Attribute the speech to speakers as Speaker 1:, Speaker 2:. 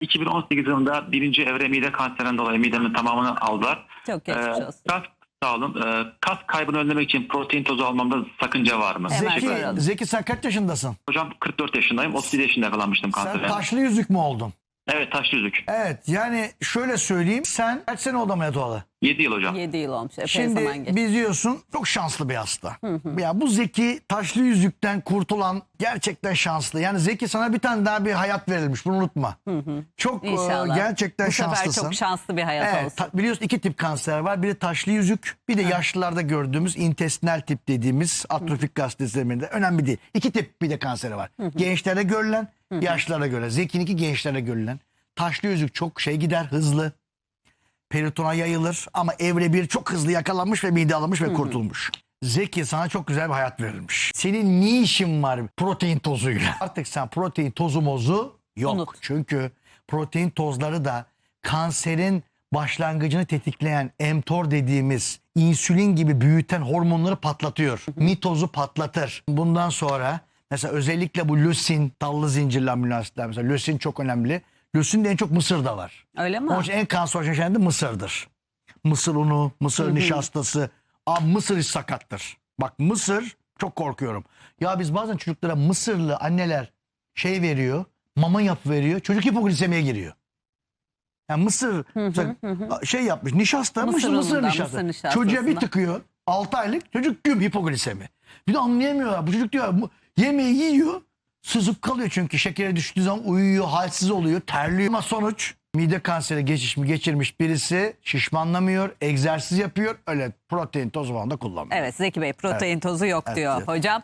Speaker 1: 2018 yılında 1. evre mide kanserinden dolayı midemin tamamını aldılar.
Speaker 2: Çok geçmiş olsun.
Speaker 1: Sağ olun. Kas kaybını önlemek için protein tozu almamda sakınca var mı?
Speaker 2: Evet.
Speaker 3: Zeki sen kaç yaşındasın?
Speaker 1: Hocam 44 yaşındayım. 37 yaşında yakalanmıştım
Speaker 3: Sen
Speaker 1: kansere.
Speaker 3: taşlı yüzük mü oldun?
Speaker 1: Evet, taşlı yüzük.
Speaker 3: Evet, yani şöyle söyleyeyim, sen kaç sene oldu ameliyat olalı?
Speaker 1: 7 yıl hocam.
Speaker 2: 7 yıl olmuş. Epey zaman
Speaker 3: Şimdi
Speaker 2: geçti.
Speaker 3: biz diyorsun çok şanslı bir hasta. Ya bu Zeki taşlı yüzükten kurtulan gerçekten şanslı. Yani Zeki sana bir tane daha bir hayat verilmiş, bunu unutma. Çok
Speaker 2: İnşallah.
Speaker 3: gerçekten
Speaker 2: Bu sefer
Speaker 3: şanslısın.
Speaker 2: çok şanslı bir hayat
Speaker 3: Evet,
Speaker 2: olsun.
Speaker 3: biliyorsun 2 tip kanser var. Biri taşlı yüzük, bir de yaşlılarda gördüğümüz intestinal tip dediğimiz atrofik gastrizeminde. Önemli değil. 2 tip bir de kanseri var. Gençlere görülen, yaşlılara görülen. Zeki'ninki gençlere görülen. Taşlı yüzük çok gider, hızlı. Peritona yayılır ama evre 1 çok hızlı yakalanmış ve mide alınmış ve kurtulmuş. Zeki, sana çok güzel bir hayat verilmiş. Senin ne işin var protein tozuyla? Artık sen protein tozu mozu yok.
Speaker 2: Unut.
Speaker 3: Çünkü protein tozları da kanserin başlangıcını tetikleyen mTOR dediğimiz insülin gibi büyüten hormonları patlatıyor. Mitozu patlatır. Bundan sonra mesela özellikle bu lösin, tallı zincirli amino asitler, mesela lösin çok önemli. Lösin de en çok Mısır'da var.
Speaker 2: Öyle mi?
Speaker 3: Onun için en kanserojen şey de Mısır'dır. Mısır unu, mısır nişastası. Abi Mısır hiç sakattır. Bak Mısır, çok korkuyorum. Ya biz bazen çocuklara Mısırlı anneler veriyor, mama veriyor. Çocuk hipoglisemiye giriyor. Yani Mısır yapmış, nişasta,
Speaker 2: Mısır
Speaker 3: mısır
Speaker 2: unundan,
Speaker 3: nişasta.
Speaker 2: mısır nişastasından.
Speaker 3: Çocuğa bir tıkıyor, 6 aylık çocuk hipoglisemi. Bir de anlayamıyorlar. Bu çocuk diyor yemeği yiyor, sızıp kalıyor çünkü şekere düştüğü zaman uyuyor, halsiz oluyor, terliyor. Ama sonuç mide kanseri geçirmiş birisi şişmanlamıyor, egzersiz yapıyor, öyle protein tozu falan da kullanmıyor.
Speaker 2: Evet, Zeki Bey protein tozu yok diyor
Speaker 3: evet.
Speaker 2: hocam.